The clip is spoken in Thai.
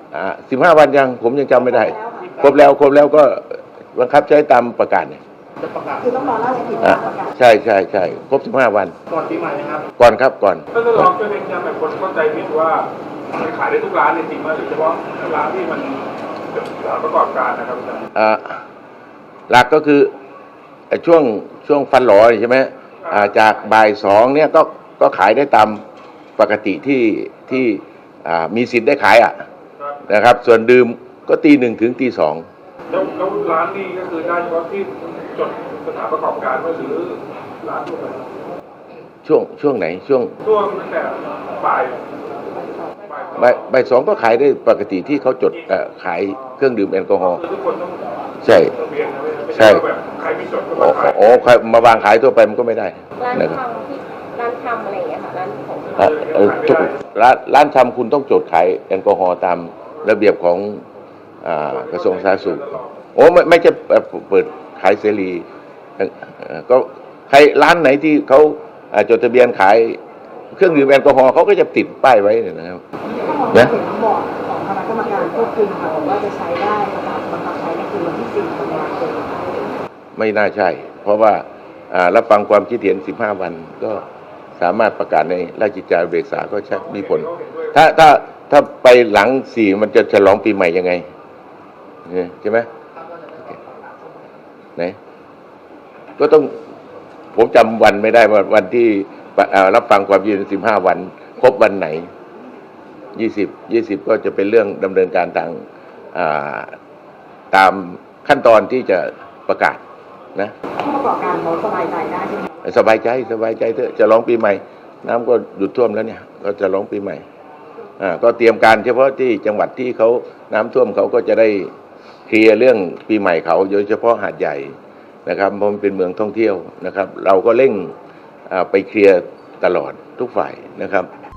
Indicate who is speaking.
Speaker 1: 15 วันยังผมยังจำไม่ได้ครบแล้วก็บังคับใช้ตามประกาศเนี่ย
Speaker 2: จะประกาศ
Speaker 3: คือต้องรอราชกิจประกาศ
Speaker 1: ใช่ครบ15 วัน
Speaker 2: ก่อนปีใหม่นะครับ
Speaker 1: ก่อนครับก่อน
Speaker 4: ก็จะลองช่วยเน้นย้ำแบบคนเข้าใจผิดว่ามันขายได้ทุกร้านจริงๆว่าหรือเฉพาะร้านที่มันประกอบการนะครับ
Speaker 1: หลักก็คือช่วงฟันหลอใช่ไหมจากบ่าย 2เนี่ยก็ขายได้ตามปกติที่มีสิทธิ์ได้ขายนะครับส่วนดื่มก็ตี 1 ถึงตี 2
Speaker 4: แล้วร้านนี้ก็คือได้เฉพาะที่จดสถานประกอบการหรือร้านทั่วไป
Speaker 1: ช่วงไหนช่วง
Speaker 4: ตั้งแต่บ่
Speaker 1: าย 2ก็ขายได้ปกติที่เขาจดขายเครื่องดื่มแอลกอฮอล์
Speaker 4: ทุกคนต้อง
Speaker 1: ใช่
Speaker 4: แบบใครไม่จดก็มาขาย
Speaker 1: ใครมาวางขายทั่วไปมันก็ไม่ได้
Speaker 3: ร้านทำอะไรอย่างเงี้ยค่ะร้านของ
Speaker 1: ร้านทำคุณต้องจดขายแอลกอฮอล์ตามระเบียบของกระทรวงสาธารณสุขไม่จะเปิดขายเสรีก็ใครร้านไหนที่เขาจดทะเบียนขายเครื่องดื่มแอลกอฮอล์เขาก็จะติดป้ายไว้นะครับ
Speaker 3: นะบอร์ดของคณะกรรมการควบคุมค่ะบอกว่าจะใช้ได้บังคับใช้ในคืนวันที่4 ตุลาคม
Speaker 1: ไม่น่าใช่เพราะว่ารับฟังความคิดเห็น15 วันก็สามารถประกาศในราชกิจจานุเบกษาก็ใช่มีผลถ้าไปหลัง4มันจะฉลองปีใหม่ยังไงใช่ไหมไหนก็ต้องผมจำวันไม่ได้ว่าวันที่รับฟังความคิดเห็น15 วันครบวันไหน20ก็จะเป็นเรื่องดำเนินการตามขั้นตอนที่จะประกาศนะ
Speaker 3: ผู้ประกอบการเขาสบายใจได้ใช่ไหม
Speaker 1: สบายใจเถอะจะร้องปีใหม่น้ำก็หยุดท่วมแล้วเนี่ยก็จะร้องปีใหม่ก็เตรียมการเฉพาะที่จังหวัดที่เขาน้ำท่วมเขาก็จะได้เคลียร์เรื่องปีใหม่เขาโดยเฉพาะหาดใหญ่นะครับเพราะมันเป็นเมืองท่องเที่ยวนะครับเราก็เร่งไปเคลียร์ตลอดทุกฝ่ายนะครับ